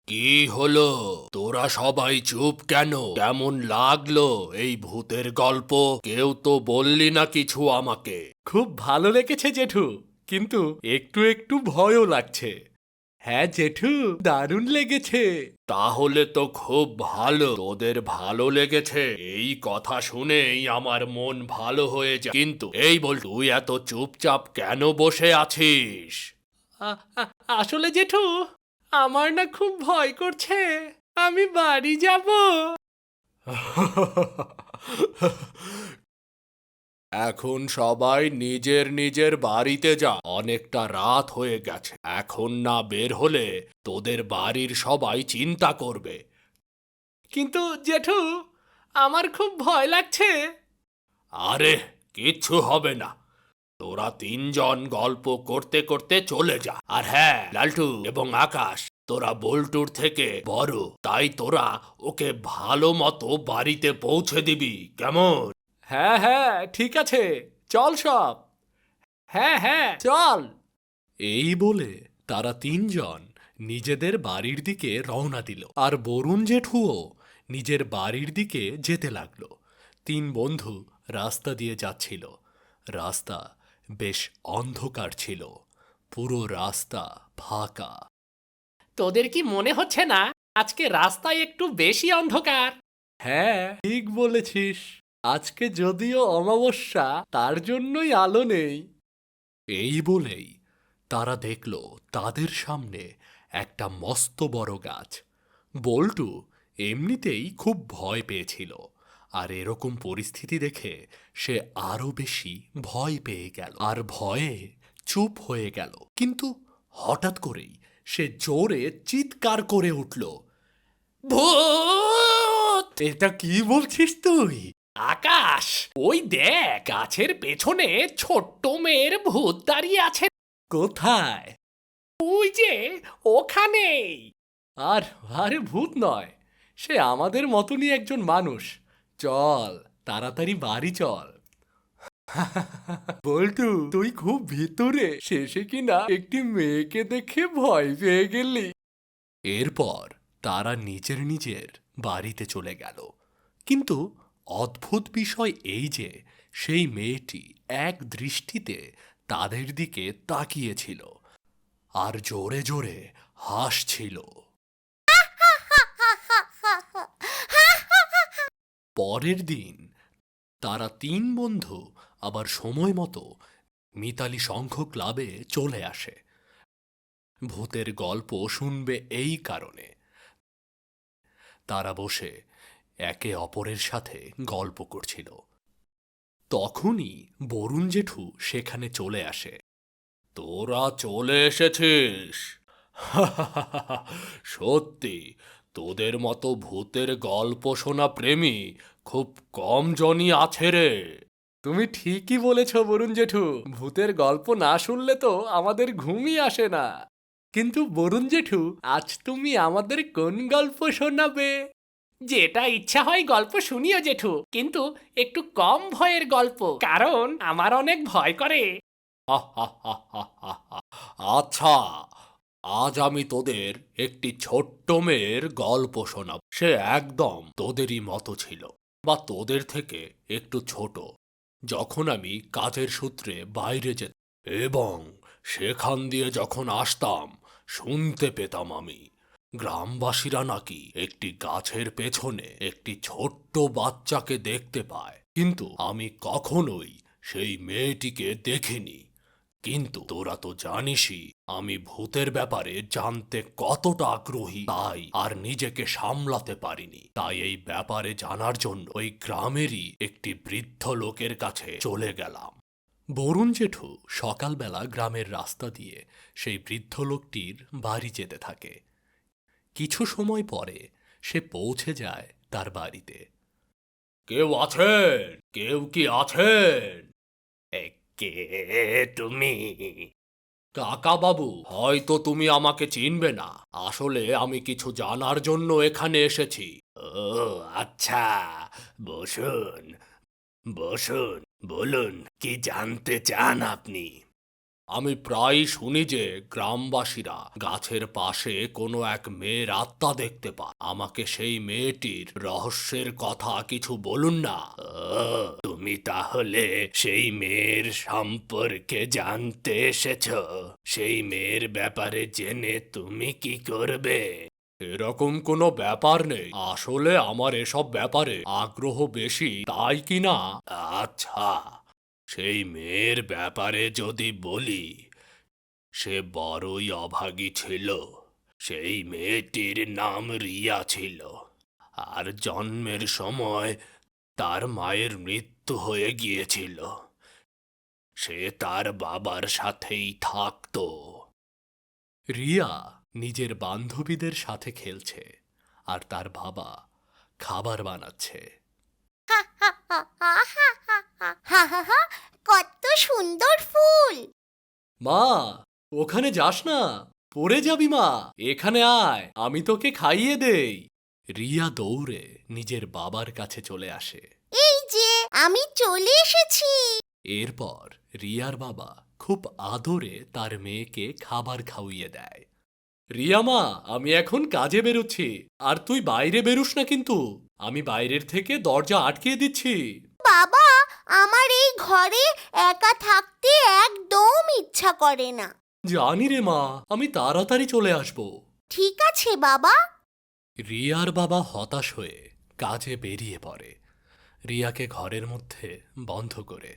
কি হলো? তোরা সবাই চুপ কেন? কেমন লাগলো এই ভূতের গল্প? কেউ তো বললি না কিছু আমাকে। খুব ভালো লেগেছে জেঠু, কিন্তু একটু একটু ভয়ও লাগছে। হ্যাঁ জেঠু, দারুণ লেগেছে। তাহলে তো খুব ভালো। তোদের ভালো লেগেছে এই কথা শুনেই আমার মন ভালো হয়ে যায়। কিন্তু এই বল, তুই এত চুপচাপ কেন বসে আছিস? আ- আ- আসলে জেঠু, আমার না খুব ভয় করছে। আমি বাড়ি যাব। এখন সবাই নিজের নিজের বাড়িতে যা। অনেকটা রাত হয়ে গেছে। এখন না বের হলে তোদের বাড়ির সবাই চিন্তা করবে। কিন্তু জেঠু, আমার খুব ভয় লাগছে। আরে, কিচ্ছু হবে না। তোরা তিনজন গল্প করতে করতে চলে যা। আর হ্যাঁ, লালটু এবং আকাশ, তোরা বল্টুর থেকে বড়, তাই তোরা ওকে ভালো মতো বাড়িতে পৌঁছে দিবি, কেমন? হ্যাঁ হ্যাঁ, ঠিক আছে, চল সব। হ্যাঁ হ্যাঁ, চল। এই বলে তারা তিনজন নিজেদের বাড়ির দিকে রওনা দিল, আর বরুণ জেঠুও নিজের বাড়ির দিকে যেতে লাগলো। তিন বন্ধু রাস্তা দিয়ে যাচ্ছিল। রাস্তা বেশ অন্ধকার ছিল, পুরো রাস্তা ফাঁকা। তোদের কি মনে হচ্ছে না আজকে রাস্তায় একটু বেশি অন্ধকার? হ্যাঁ, ঠিক বলেছিস। আজকে যদিও অমাবস্যা, তার জন্যই আলো নেই। এই বলেই তারা দেখল তাদের সামনে একটা মস্ত বড় গাছ। বল্টু এমনিতেই খুব ভয় পেয়েছিল, আর এরকম পরিস্থিতি দেখে সে আরো বেশি ভয় পেয়ে গেল, আর ভয়ে চুপ হয়ে গেল। কিন্তু হঠাৎ করেই সে জোরে চিৎকার করে উঠল, ভূত! এটা কি বলছিস তুই? আকাশ, ওই দেখ, গাছের পেছনে ছোট্ট মেয়ের ভূত দাঁড়িয়ে আছে। কোথায়? ওই যে, ওখানেই। আর আরে ভূত নয়, সে আমাদের মতনই একজন মানুষ। চল, তাড়াতাড়ি বাড়ি চল। বল্টু, তুই খুব ভিতরে, শেষে কিনা একটি মেয়েকে দেখে ভয় পেয়ে গেলি। এরপর তারা নিজের নিজের বাড়িতে চলে গেল। কিন্তু অদ্ভুত বিষয় এই যে সেই মেয়েটি এক দৃষ্টিতে তাদের দিকে তাকিয়েছিল, আর জোরে জোরে হাসছিল। পরের দিন তারা তিন বন্ধু আবার সময় মতো মিতালি সংঘ ক্লাবে চলে আসে। ভূতের গল্প শুনবে এই কারণে। তারা বসে একে অপরের সাথে গল্প করছিল। তখনই বরুণ জেঠু সেখানে চলে আসে। তোরা চলে এসেছিস? সত্যি, তোদের মতো ভূতের গল্প শোনা প্রেমী খুব কম জনই আছে রে। তুমি ঠিকই বলেছ বরুণ জেঠু, ভূতের গল্প না শুনলে তো আমাদের ঘুমই আসে না। কিন্তু বরুণ জেঠু, আজ তুমি আমাদের কোন গল্প শোনাবে? যেটা ইচ্ছা হয় গল্প শুনিও জেঠু, কিন্তু একটু কম ভয়ের গল্প, কারণ আমার অনেক ভয় করে। আচ্ছা, আজ আমি তোদের একটি ছোট্ট মেয়ের গল্প শোনাব। সে একদম তোদেরই মতো ছিল, বা তোদের থেকে একটু ছোট। যখন আমি কাজের সূত্রে বাইরে যেতাম এবং সেখান দিয়ে যখন আসতাম, শুনতে পেতাম আমি গ্রামবাসীরা নাকি একটি গাছের পেছনে একটি ছোট্ট বাচ্চাকে দেখতে পায়, কিন্তু আমি কখনোই সেই মেয়েটিকে দেখিনি। কিন্তু তোরা তো জানিসই আমি ভূতের ব্যাপারে জানতে কতটা আগ্রহী, তাই আর নিজেকে সামলাতে পারিনি। তাই এই ব্যাপারে জানার জন্য ওই গ্রামেরই একটি বৃদ্ধ লোকের কাছে চলে গেলাম। বরুণ জেঠু সকালবেলা গ্রামের রাস্তা দিয়ে সেই বৃদ্ধ লোকটির বাড়ি যেতে থাকে। কিছু সময় পরে সে পৌঁছে যায় তার বাড়িতে। কেউ আছেন? কেউ কি আছেন? কে তুমি? কাকা বাবু, হয়তো তুমি আমাকে চিনবে না। আসলে আমি কিছু জানার জন্য এখানে এসেছি। ও আচ্ছা, বসুন বসুন, বলুন কি জানতে চান আপনি? আমি প্রায় শুনি যে গ্রামবাসীরা গাছের পাশে কোনো এক মেয়ের আত্মা দেখতে পায়। আমাকে সেই মেয়েটির রহস্যের কথা কিছু বলুন না। তুমি তাহলে সেই মেয়ের সম্পর্কে জানতে এসেছ? সেই মেয়ের ব্যাপারে জেনে তুমি কি করবে? এরকম কোনো ব্যাপার নেই। আসলে আমার এসব ব্যাপারে আগ্রহ বেশি, তাই কি না? আচ্ছা, সেই মেয়ের ব্যাপারে যদি বলি, সে বড়ই অভাগী ছিল। সেই মেয়েটির নাম রিয়া ছিল। আর জন্মের সময় তার মায়ের মৃত্যু হয়ে গিয়েছিল। সে তার বাবার সাথেই থাকতো। রিয়া নিজের বান্ধবীদের সাথে খেলছে আর তার বাবা খাবার বানাচ্ছে। হা হা হা, কত সুন্দর ফুল! মা, ওখানে যাস না, পড়ে যাবি মা। এখানে আয়, আমি তোকে খাইয়ে দেই। রিয়া দৌড়ে নিজের বাবার কাছে চলে আসে। এই যে আমি চলে এসেছি। এরপর রিয়ার বাবা খুব আদরে তার মেয়েকে খাবার খাওয়িয়ে দেয়। রিয়া মা, আমি এখন কাজে বেরোচ্ছি, আর তুই বাইরে বেরুস না কিন্তু। আমি বাইরের থেকে দরজা আটকে দিচ্ছি। বাবা, আমার এই ঘরে একা থাকতে একদম ইচ্ছা করে না। জানি রে মা, আমি তাড়াতাড়ি চলে আসব। ঠিক আছে বাবা। রিয়ার বাবা হতাশ হয়ে কাজে বেরিয়ে পড়ে, রিয়াকে ঘরের মধ্যে বন্ধ করে।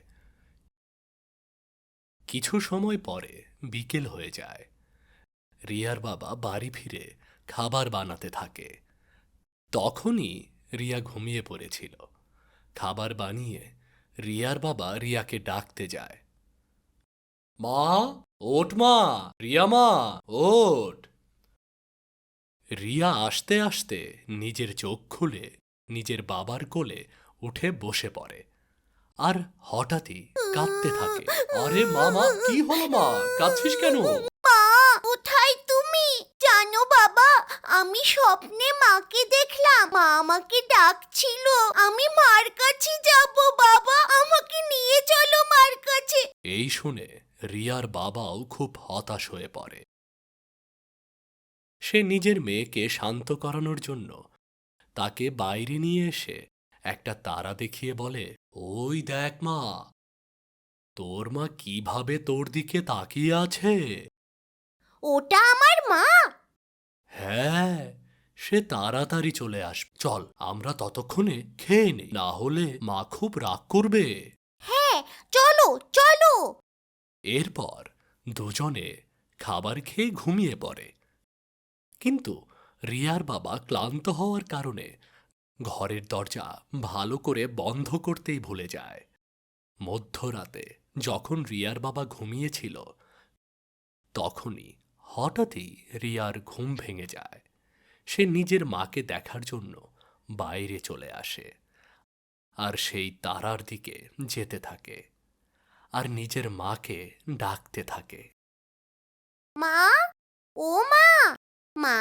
কিছু সময় পরে বিকেল হয়ে যায়। রিয়ার বাবা বাড়ি ফিরে খাবার বানাতে থাকে। তখনই রিয়া ঘুমিয়ে পড়েছিল। খাবার বানিয়ে রিয়ার বাবা রিয়াকে ডাকতে যায়। মা, ওঠ মা, রিয়া মা, ওঠ। রিয়া আসতে আসতে নিজের চোখ খুলে নিজের বাবার কোলে উঠে বসে পড়ে আর হঠাৎই কাঁদতে থাকে। আরে মা, কি হলো মা, কাঁদছিস কেন? মা, কোথায় তুমি? জানো বাবা, আমি স্বপ্নে মাকে দেখলাম। মা আমাকে ডাকছিল। আমি মার কাছে যাব। বাবা, আমাকে নিয়ে চলো মার কাছে। এই শুনে রিয়ার বাবাও খুব হতাশ হয়ে পড়ে। সে নিজের মেয়েকে শান্ত করানোর জন্য তাকে বাইরে নিয়ে এসে একটা তারা দেখিয়ে বলে, ওই দেখ মা, তোর মা কিভাবে তোর দিকে তাকিয়ে আছে। ওটা আমার মা? হ্যাঁ, সে তাড়াতাড়ি চলে আসবে। চল, আমরা ততক্ষণে খেয়ে নেই, না হলে মা খুব রাগ করবে। হ্যাঁ, চলো চলো। এরপর দুজনে খাবার খেয়ে ঘুমিয়ে পড়ে। কিন্তু রিয়ার বাবা ক্লান্ত হওয়ার কারণে ঘরের দরজা ভালো করে বন্ধ করতেই ভুলে যায়। মধ্যরাতে যখন রিয়ার বাবা ঘুমিয়েছিল, তখনই হঠাৎই রিয়ার ঘুম ভেঙে যায়। সে নিজের মাকে দেখার জন্য বাইরে চলে আসে আর সেই তারার দিকে যেতে থাকে আর নিজের মাকে ডাকতে থাকে। মা, ও মা, মা।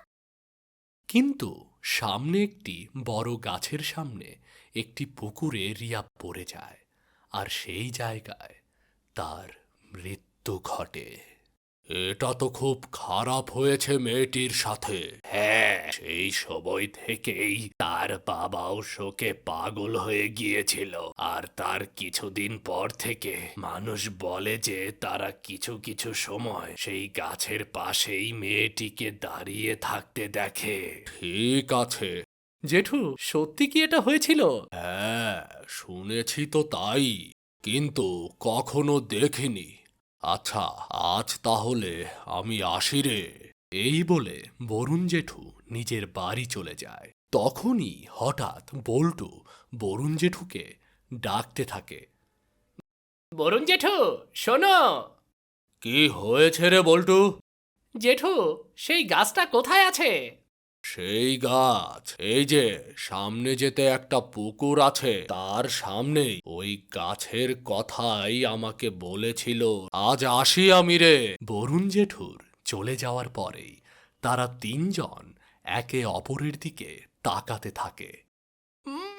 কিন্তু সামনে একটি বড় গাছের সামনে একটি পুকুরে রিয়া পড়ে যায় আর সেই জায়গায় তার মৃত্যু ঘটে। এটা তো খুব খারাপ হয়েছে মেয়েটির সাথে। হ্যাঁ, সেই সময় থেকেই তার বাবাও শোকে পাগল হয়ে গিয়েছিল। আর তার কিছুদিন পর থেকে মানুষ বলে যে তারা কিছু কিছু সময় সেই গাছের পাশেই মেয়েটিকে দাঁড়িয়ে থাকতে দেখে। ঠিক আছে। জেঠু, সত্যি কি এটা হয়েছিল? হ্যাঁ, শুনেছি তো তাই, কিন্তু কখনো দেখিনি। আচ্ছা, আজ তাহলে আমি আসি রে। এই বলে বরুণ জেঠু নিজের বাড়ি চলে যায়। তখনই হঠাৎ বল্টু বরুণ জেঠুকে ডাকতে থাকে। বরুণ জেঠু, শোনো। কি হয়েছে রে বল্টু? জেঠু, সেই গাছটা কোথায় আছে? সেই গাছ এই যে সামনে যেতে একটা পুকুর আছে, তার সামনেই। ওই গাছের কথাই আমাকে বলেছিল। আজ আসি আমি রে। বরুণ জেঠুর চলে যাওয়ার পরেই তারা তিনজন একে অপরের দিকে তাকাতে থাকে।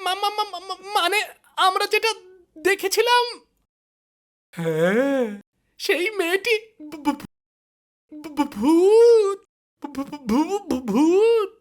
মানে আমরা যেটা দেখেছিলাম? হ্যাঁ, সেই মেয়েটি ভূত ভূত